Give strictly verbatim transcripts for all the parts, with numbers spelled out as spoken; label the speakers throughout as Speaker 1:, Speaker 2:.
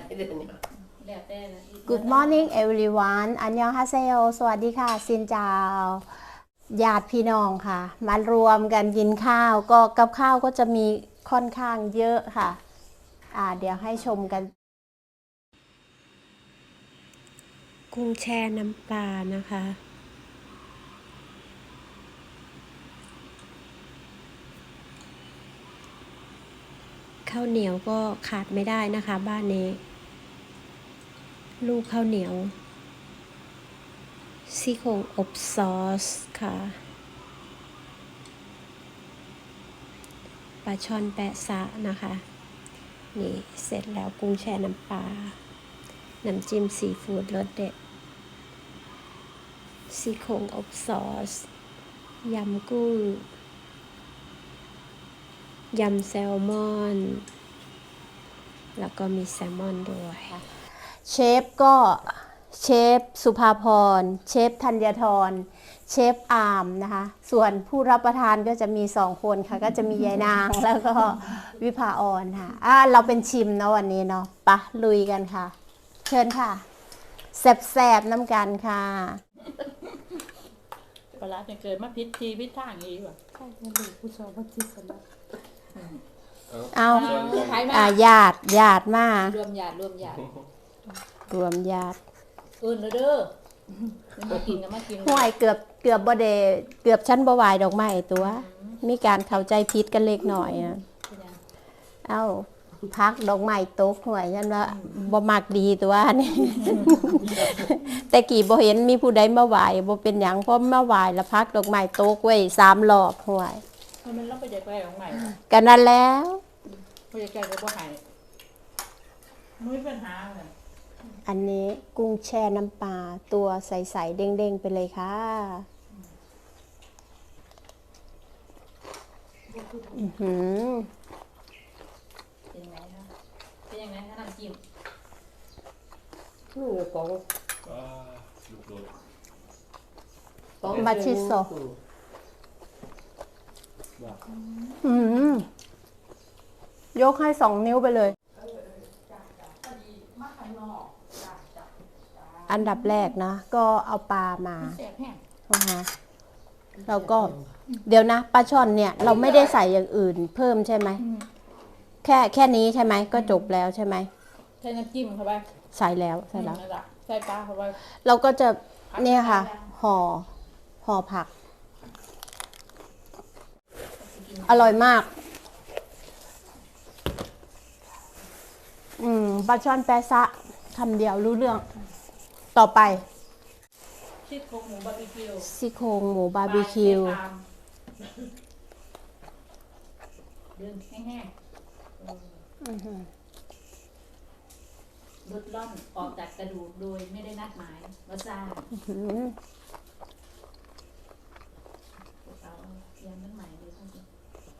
Speaker 1: เดี๋ยวนี้
Speaker 2: Good morning everyone อันยองฮาเซโยสวัสดีค่ะซินจาวญาติพี่น้องค่ะมารวมกันกินข้าวก็กับข้าวก็จะมีค่อนข้างเยอะค่ะอ่าเดี๋ยวให้ชมกันกุ้งแช่น้ำปลานะคะข้าวเหนียวก็ขาดไม่ได้นะคะบ้านนี้ลูกข้าวเหนียวซี่โครงอบซอสค่ะปลาช่อนแปะซะนะคะนี่เสร็จแล้วกุ้งแช่น้ำปลาน้ำจิ้มซีฟู้ดรสเด็ดซี่โครงอบซอสยำกุ้งยำแซลมอนแล้วก็มีแซลมอนด้วยเชฟก็เชฟสุภาพรเชฟธัญธรเชฟอาร์มนะคะส่วนผู้รับประทานก็จะมีสองคนค่ะก็จะมียายนางแล้วก็วิภาออนค่ะอ่ะเราเป็นชิมเนาะวันนี้เนาะปะลุยกันค่ะเชิญค่ะแซ่บๆน้ำกันค่ะ
Speaker 3: ปลาจะเกิดมาพิษทีพิษทางอีกว่ะใช่จะดูผู้ชมว่าจิตสำนึก
Speaker 2: เอาอ่าญาติญาติมาร
Speaker 3: วมญาติรวมญาติ
Speaker 2: รวมญาติ
Speaker 3: อื่นเลยเด้อมากินกันมากิน
Speaker 2: ห่วยเกือบเกือบบ่เดเกือบชั้นบ่วายดอกไม้ตัวมีการเข้าใจผิดกันเล็กหน่อยนะเอ้าพักดอกไม้ตกห่วยฉันว่าบ่มักดีตัวนี่แต่กี่บ่เห็นมีผู้ใดมาไหว้บ่เป็นหยังเพราะมาไหว้แล้วพักดอกไม้ตกไว้สามรอบห่วย
Speaker 3: มันรับไปใจแก่ของใหม่
Speaker 2: กันนั่นแล้ว
Speaker 3: ไปใจแก่ก็บ่หายไม่มีปัญหาเลย
Speaker 2: อันนี้กุ้งแช่น้ำปลาตัวใสๆเด้งๆไปเลยค่ะอือหือ
Speaker 3: เป็นยังไงคะเป็นยังไงคะน้ำจิ้ม
Speaker 1: นี่กอง
Speaker 2: กองบัชิโซอืมยกให้สองนิ้วไปเลยอันดับแรกนะก็เอาปลามานะคะแล้วก็เดี๋ยวนะปลาช่อนเนี่ยเราไม่ได้ใส่อย่างอื่นเพิ่มใช่ไหมแค่แค่นี้ใช่ไหมก็จบแล้วใช่ไหม
Speaker 3: ใส่น้ำจิ้มเข้าไป
Speaker 2: ใส่แล้วใส่แล้ว
Speaker 3: ใส่ปลาเข้าไป
Speaker 2: เราก็จะเนี่ยค่ะห่อห่อผักอร่อยมากอืมปลาช่อนแปะซะคำเดียวรู้เรื่องต่อไป
Speaker 3: ซี่โครงหมูบาร์บีคิว
Speaker 2: ซี่โครงหมูบาร์บีคิว
Speaker 3: เดินแห้งๆลดล่อนออกจากกระดูกโดยไม่ได้นัดหมายว่าซ่าเอาเตรียมน้ำใหม่เลยท่านผู้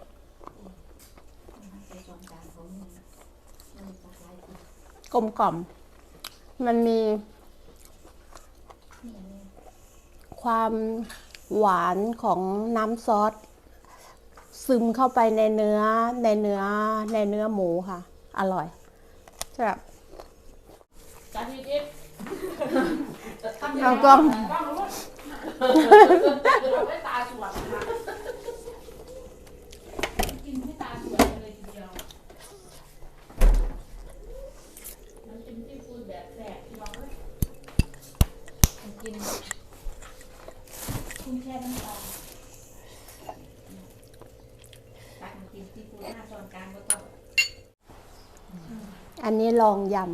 Speaker 3: ใส่จอมจานของมันมันจะคล้ายกัน
Speaker 2: กลมกล่อมมันมีความหวานของน้ำซอสซึมเข้าไปในเนื้อในเนื้อในเนื้อหมูค่ะอร่อยใช่แบบ
Speaker 3: จานที่เอ็ด
Speaker 2: เอากล้อง
Speaker 3: ไม่ตาสวยค่ะกินไม่ตาสวยเลยทีเดียวน้ำจิ้มซีฟู้ดแบบแสบที่เรากินกุ้งแช่น้ำปลาตักน้ำจิ้มซีฟู้ดหน้าช้อนกลางก็ต้อง
Speaker 2: อันนี้ลองยำ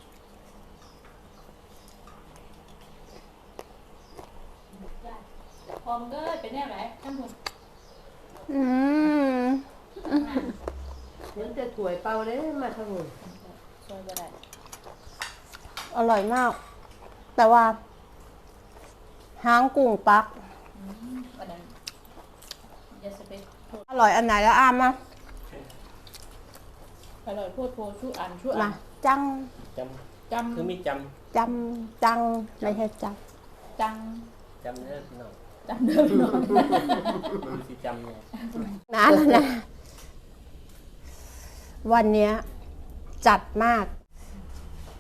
Speaker 3: พร้อมก็เป็นแน่ไหนท่านผู้
Speaker 2: อืม
Speaker 1: เดี๋ยวจะถ่วยเปล่าเลยมาทั้งหมด
Speaker 3: ช่วยก็ได้
Speaker 2: อร่อยมากแต่ว่าหางกุ้งปักอร่อยอันไหนแล้วอ้ามนะ
Speaker 3: อร่อยพูดโพชูอันชูอัน
Speaker 2: จัง
Speaker 4: จำจำคือมีจ
Speaker 2: ำจำจังไม่ใช่จัง
Speaker 3: จัง
Speaker 4: จำเนื้อหน่อย
Speaker 3: จำเนื้อหน่อย
Speaker 4: มันสิจำไง
Speaker 2: นานแล้วนะวันนี้จัดมาก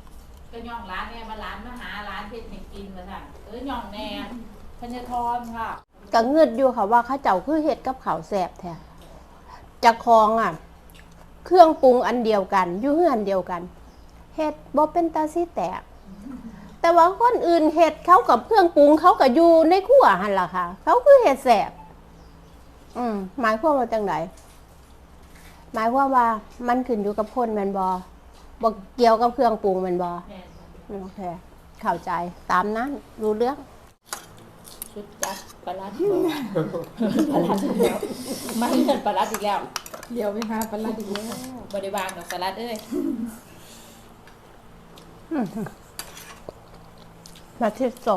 Speaker 3: ก็ย่องร้านเนี่ยมาร้านมาหาร้านเฮ็ดให้กินมาสั่งเออย่องแน่ธัญทรค่ะ
Speaker 2: ก็เงืดอยู่ค่ะว่าเข้าเจ้าคือเฮ็ดกับข้าวแซ่บแท้จะคองอ่ะ เครื่องปรุงอันเดียวกันอยู่เฮือนเดียวกันเฮ็ดบ่เป็นตาสิแตก แต่ว่าคนอื่นเฮ็ดเขากับเครื่องปรุงเขาก็อยู่ในครัวหั่นล่ะค่ะ เขาคือเฮ็ดแซ่บอืมหมายความว่าจังไดหมายความว่ามันขึ้นอยู่กับคนแม่นบ่บ่เกี่ยวกับเครื่องปรุงแม่นบ่
Speaker 3: แม่น
Speaker 2: โอเคเข้าใจตามนั้นรู้เรื่อง
Speaker 3: ชุดจัดปลาลัดปลาลัดอีกแล้วมาเงินปลาลัดอีกแล้ว
Speaker 1: เดี๋ยวไปหาปลาร้าอีกแล้ว
Speaker 3: บริวารของปลาลัดเอ้ย
Speaker 2: มาที่โซ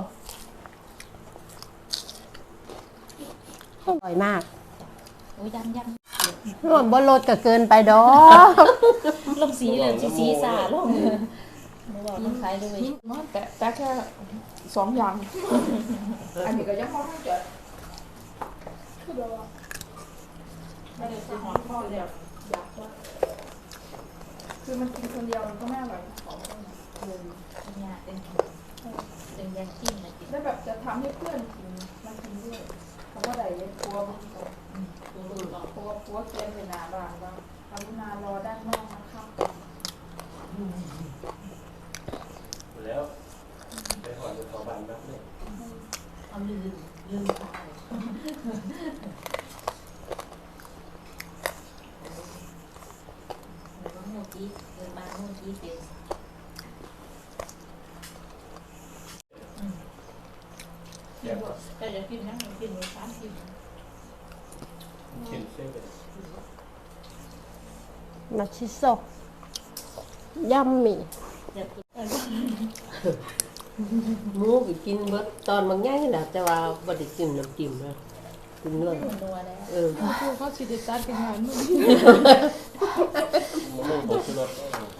Speaker 2: อร่อยมาก
Speaker 3: โอ้ยยังยัง
Speaker 2: รวมบนรถก็เกินไปดอก
Speaker 3: ลงสีเลยสีสีสาลงไม่บอกต้องใช้ด้วย
Speaker 1: มันแต่แต่แค่สองอย่าง อันนี้ก็ยังพอให้เกิดคือแบบว่า
Speaker 3: ไม่ได้ซื้อหอมพ่อเดียว
Speaker 1: อยากว่าคือมันกินคนเดียวมันก็ไม่อร่อยของคนเลย
Speaker 3: เนี่ยเป็นเป็นยังจิ้มนะจิ้ม
Speaker 1: แล้วแบบจะทำให้เพื่อนกินมันกินด้วยเพราะว่าใดเนี่ยกลัวมันตก
Speaker 3: ดูดูลอง
Speaker 1: กลัวกลัวเกมเป็นหนาบางว่ากรุณารอด้านนอกนะครับ
Speaker 4: แล้วไปหอนขอบันนับเลย
Speaker 3: เอาลืมลืมตายเมื่อกี้เดินมาเมื่อกี้เป็น
Speaker 4: แซ่บครับ
Speaker 3: แต่จะกินนั่งกินหมูสามกิน
Speaker 4: เข็นเส้นไปเลย
Speaker 2: มาชิโซยัมมี่
Speaker 3: จะกิน
Speaker 5: หมูก็กินเบิดตอนบางอย่างนี่แหละแต่ว่าบ่ได้จิ้มน้ำจิ้มนะกินเนื้อ
Speaker 3: นัวแล้ว
Speaker 5: เออ
Speaker 1: คือเขาชิดิตัดเป็นงานมึง
Speaker 4: มะม่วงผงชูรส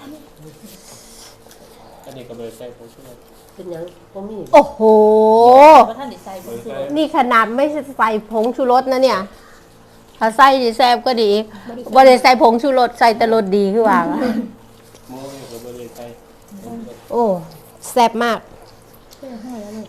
Speaker 4: อันนี้ก็เลยใส่ผงชูรส
Speaker 5: เป็นหยังบ่มี
Speaker 2: โอ้โห
Speaker 3: เพราะท่านได้ใส่ผงชูรส
Speaker 2: นี่ขนาดไม่ใส่ผงชูรสนะเนี่ย ถ้าใส่ดีแซ่บก็ดีบ่ได้ใส่ผงชูรสใส่แต่รสดีคือว่า
Speaker 4: มะม่วงก็ไม่ได้ใส่ผงชูรส
Speaker 2: โอ้แซ่บมาก
Speaker 1: เท่ให้แล้วเลย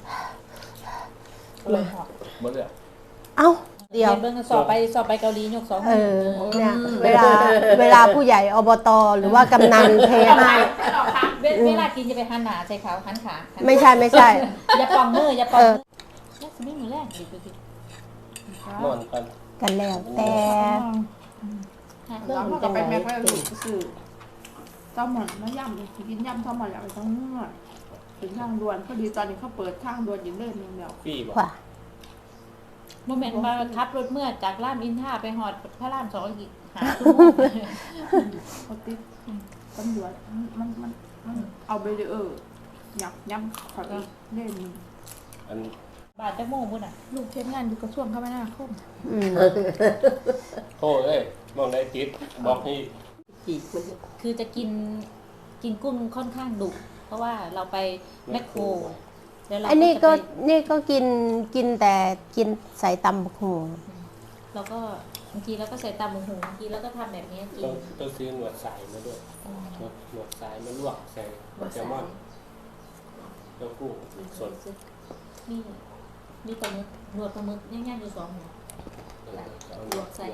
Speaker 4: หมดเลย
Speaker 2: เอ้า เดี๋ยว
Speaker 3: เบิ่งสอบไปสอบไปเกาหลียกสอง
Speaker 2: เออเนี่ยเวลาเวลาผู้ใหญ่อบตหรือว่ากำนันเทให้
Speaker 3: เวลากินจะไปหันหนาใส่เขาหันขา
Speaker 2: ไม่ใช่ไม่ใช่
Speaker 3: อย่าปองมืออย่าปองมือแล้วสิไม่มือแรกดิดูดิ
Speaker 4: นอนกัน
Speaker 2: กันแล้วแต่
Speaker 1: แล้วมันก็ไปแม็กไปลูกสื่อแซลมอนน้ำยำกินยำแซลมอนอยากไปทั้งเมื่อถึงทางด่วนพอดีตอนนี้เขาเปิดทางด่วนอยู่เล่นนึงแล้ว
Speaker 4: ฟรีบอก
Speaker 2: ว่า
Speaker 3: โมเมนต์มาขับรถเมื่อจากรามอินทราไปหอดพระรามสองอีกหาชั่วโมง
Speaker 1: เขาติดตำรวจมันมันมันเอาไปเลยเออยับยับขออีกเล่นนึง
Speaker 4: อัน
Speaker 3: บาทจะโมงพุ่นอ่ะ
Speaker 1: ลูกเทศงานอยู่กระทรวงคมนาคม
Speaker 2: อืม
Speaker 4: โอ้เอ้ยมองได้ติดบอกให้
Speaker 5: จีกมัน
Speaker 3: คือจะกินกินกุ้งค่อนข้างดุเพราะว่าเราไปแมคโครแล้วเรา
Speaker 2: อันนี้ก็
Speaker 3: จะไป
Speaker 2: นี่ก็กินกินแต่กินใส่ตำบักหู
Speaker 3: เราก็บางทีเราก็ใส่ตามหูบางทีเราก็ทำแบบนี้กิ
Speaker 4: ต้อน งต้องซื้อหนวดสายมาด้วยหนวดหนวดสายมาลวกใส่แซลมอนแล้วกุ้งสด
Speaker 3: มีมีปลาหมึกหนวดปลาหมึกง่ายๆอยู่สองหัว
Speaker 4: ลวกใส่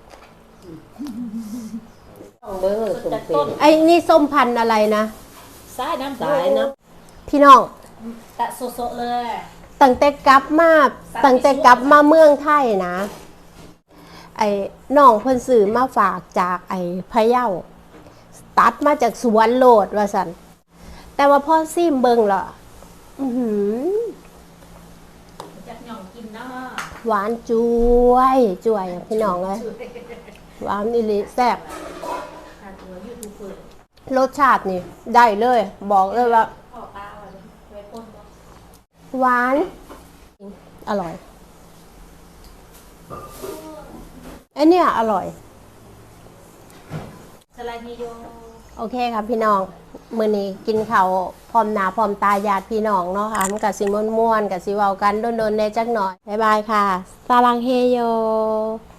Speaker 5: ต้องเบิ่งเลยสม
Speaker 3: จาก
Speaker 5: เป็
Speaker 3: ต้น
Speaker 5: น
Speaker 2: ไอ้นี่ส้มพันธุ์อะไรนะ
Speaker 3: สายน้ำ
Speaker 5: สายนะ
Speaker 2: พี่น้อง
Speaker 3: ตะโซๆเลย
Speaker 2: ตั้งแต่กลับมาตั้งแต่กลับมาเมืองไทยนะ ไอ้น้องเพิ่นซื้อมาฝากจากไอ้พะเยาตัดมาจากสวนโลดว่าสันแต่ว่าพ่อซิมเบิงล่ะอื้อหือ
Speaker 3: จากหย่องกินเนาะ
Speaker 2: หวานจุวยจุวยพี่น้องเลยหวานอีหลีแซ่บ
Speaker 3: ทานตัวยูทูบเบอร์
Speaker 2: รสชาตินี่ได้เลย บอกเลยว่า
Speaker 3: พ่อป้าว่าไว้ป้นบ่
Speaker 2: หวาน อร่อยไอเนี่ยอร่อย
Speaker 3: สไลด์นิโย
Speaker 2: โอเคครับพี่น้อง มื้อนี้กินข้าวพร้อมหน้าพร้อมตาญาติพี่น้องเนาะค่ะมันก็สิม่วนๆก็สิเว้ากันโดนๆแหน่จักหน่อย บ๊ายบายค่ะ สารังเฮโย